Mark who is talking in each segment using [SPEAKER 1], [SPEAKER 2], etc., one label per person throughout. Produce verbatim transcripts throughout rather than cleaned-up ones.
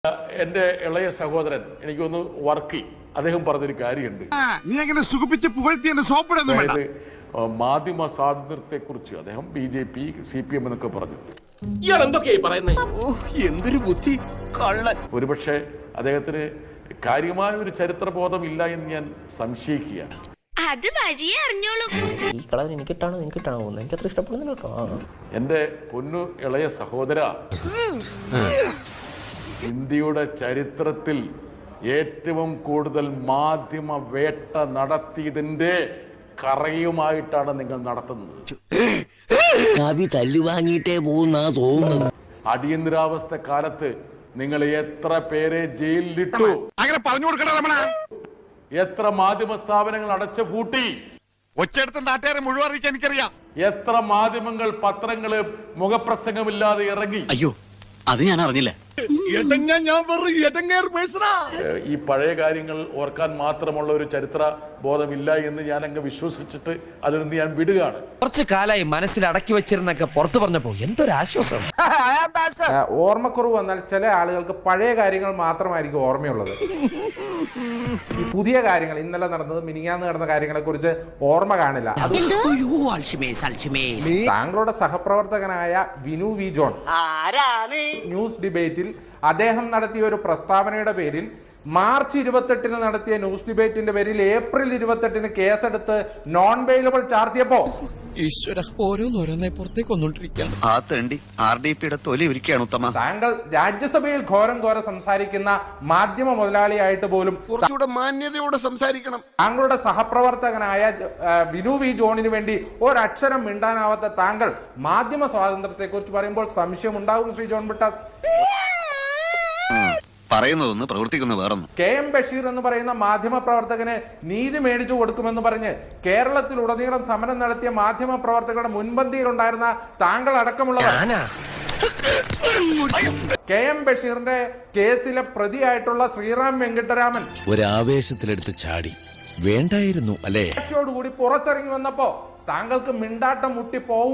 [SPEAKER 1] എന്റെ ഇളയ സഹോദരൻ എനിക്കൊന്ന് വർക്കി അദ്ദേഹം പറഞ്ഞൊരു കാര്യമുണ്ട്.
[SPEAKER 2] നീ എങ്ങനെ സുഖിപ്പിച്ച് പുകഴ്ത്തി
[SPEAKER 1] അതായത് മാധ്യമ സ്വാതന്ത്ര്യത്തെ കുറിച്ച് അദ്ദേഹം B J P C P M എന്നൊക്കെ പറഞ്ഞു.
[SPEAKER 2] എന്തൊരു ബുദ്ധി
[SPEAKER 1] ഒരുപക്ഷെ അദ്ദേഹത്തിന് കാര്യമായ ഒരു ചരിത്രബോധം ഇല്ല എന്ന് ഞാൻ സംശയിക്കുകയാണ്.
[SPEAKER 3] അത് വഴിയേ അറിഞ്ഞോളൂ.
[SPEAKER 4] ഈ കളർ എനിക്കിട്ടാണോ എനിക്കിട്ടാണോ എനിക്ക് അത്ര ഇഷ്ടപ്പെടുന്നില്ല കേട്ടോ.
[SPEAKER 1] എന്റെ പൊന്നു ഇളയ സഹോദര, ഇന്ത്യയുടെ ചരിത്രത്തിൽ ഏറ്റവും കൂടുതൽ മാധ്യമ വേട്ട നടത്തിയതിന്റെ കറയുമായിട്ടാണ് നിങ്ങൾ നടത്തുന്നത്.
[SPEAKER 5] കവി തല്ലുവാങ്ങിയിട്ടേ പോകുന്ന തോന്നുന്നത്.
[SPEAKER 1] അടിയന്തരാവസ്ഥ കാലത്ത് നിങ്ങൾ എത്ര പേരെ ജയിലിലിട്ടു,
[SPEAKER 2] അങ്ങനെ പറഞ്ഞു കൊടുക്കണ രമണ.
[SPEAKER 1] എത്ര മാധ്യമ സ്ഥാപനങ്ങൾ അടച്ചു പൂട്ടി,
[SPEAKER 2] ഒച്ചെടുത്ത് നാട്ടുകാരെ മുഴുവൻ അറിയിക്കാൻ എനിക്കറിയാം.
[SPEAKER 1] എത്ര മാധ്യമങ്ങൾ പത്രങ്ങള് മുഖപ്രസംഗമില്ലാതെ ഇറങ്ങി.
[SPEAKER 5] അയ്യോ, അത് ഞാൻ അറിഞ്ഞില്ല.
[SPEAKER 1] ഈ പഴയ കാര്യങ്ങൾ ഓർക്കാൻ മാത്രമുള്ള ഒരു ചരിത്ര ബോധമില്ല എന്ന് ഞാൻ അങ്ങ് വിശ്വസിച്ചിട്ട് അതിൽ നിന്ന് ഞാൻ വിടുകയാണ്.
[SPEAKER 6] കുറച്ചു കാലായി മനസ്സിൽ അടക്കി വെച്ചിരുന്നൊക്കെ പുറത്തു പറഞ്ഞപ്പോ എന്തൊരാശ്വാസം.
[SPEAKER 7] ഓർമ്മക്കുറവ് വന്നാൽ ചില ആളുകൾക്ക് പഴയ കാര്യങ്ങൾ മാത്രമായിരിക്കും ഓർമ്മയുള്ളത്. ഈ പുതിയ കാര്യങ്ങൾ, ഇന്നലെ നടന്നത് മിനിങ്ങാന്ന് നടന്ന കാര്യങ്ങളെ കുറിച്ച് ഓർമ്മ കാണില്ല. താങ്കളുടെ സഹപ്രവർത്തകനായ വിനു വി ജോൺ ന്യൂസ് ഡിബേറ്റിൽ അദ്ദേഹം നടത്തിയ ഒരു പ്രസ്താവനയുടെ പേരിൽ മാർച്ച് ഇരുപത്തെട്ടിന് നടത്തിയ ന്യൂസ് ഡിബേറ്റിന്റെ പേരിൽ ഏപ്രിൽ ഇരുപത്തെട്ടിന് കേസെടുത്ത് നോൺ ബെയിലബിൾ ചാർത്തിയപ്പോ താങ്കൾ രാജ്യസഭയിൽ ഘോരം ഘോരം സംസാരിക്കുന്ന മാധ്യമ മുതലാളിയായിട്ട് പോലും
[SPEAKER 2] കുറച്ചുകൂടെ മാന്യതയോടെ സംസാരിക്കണം.
[SPEAKER 7] താങ്കളുടെ സഹപ്രവർത്തകനായ വിനു വി ജോണിന് വേണ്ടി ഒരക്ഷരം മിണ്ടാനാവാത്ത താങ്കൾ മാധ്യമ സ്വാതന്ത്ര്യത്തെ കുറിച്ച് പറയുമ്പോൾ സംശയം ഉണ്ടാകും ശ്രീ ജോൺ ബ്രിട്ടാസ്.
[SPEAKER 5] പറയുന്നതൊന്ന് പ്രവർത്തിക്കുന്ന വേറൊന്നും.
[SPEAKER 7] കെ എം ബഷീർ എന്ന് പറയുന്ന മാധ്യമ പ്രവർത്തകന് നീതി മേടിച്ചു കൊടുക്കുമെന്ന് പറഞ്ഞ് കേരളത്തിലുടനീളം സമരം നടത്തിയ മാധ്യമ പ്രവർത്തകരുടെ മുൻപന്തിയിലുണ്ടായിരുന്ന താങ്കൾ അടക്കമുള്ളവർ കെ എം ബഷീറിന്റെ കേസിലെ പ്രതിയായിട്ടുള്ള ശ്രീറാം വെങ്കിട്ടരാമൻ
[SPEAKER 8] ഒരാവേശത്തിലെടുത്ത് ചാടി വേണ്ടായിരുന്നു അല്ലേ
[SPEAKER 7] കൂടി പുറത്തിറങ്ങി വന്നപ്പോ താങ്കൾക്ക് മിണ്ടാട്ടം മുട്ടി പോവും.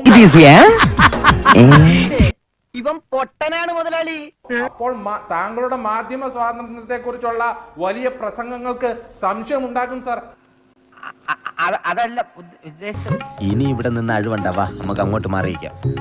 [SPEAKER 9] ഇവൻ പൊട്ടനാണ് മുതലാളി.
[SPEAKER 7] അപ്പോൾ താങ്കളുടെ മാധ്യമ സ്വാതന്ത്ര്യത്തെ കുറിച്ചുള്ള വലിയ പ്രസംഗങ്ങൾക്ക് സംശയം ഉണ്ടാക്കും സാർ.
[SPEAKER 9] അതല്ല ഉദ്ദേശം.
[SPEAKER 5] ഇനി ഇവിടെ നിന്ന് അഴിവണ്ടാവാ, നമുക്ക് അങ്ങോട്ട് മാറിയിക്കാം.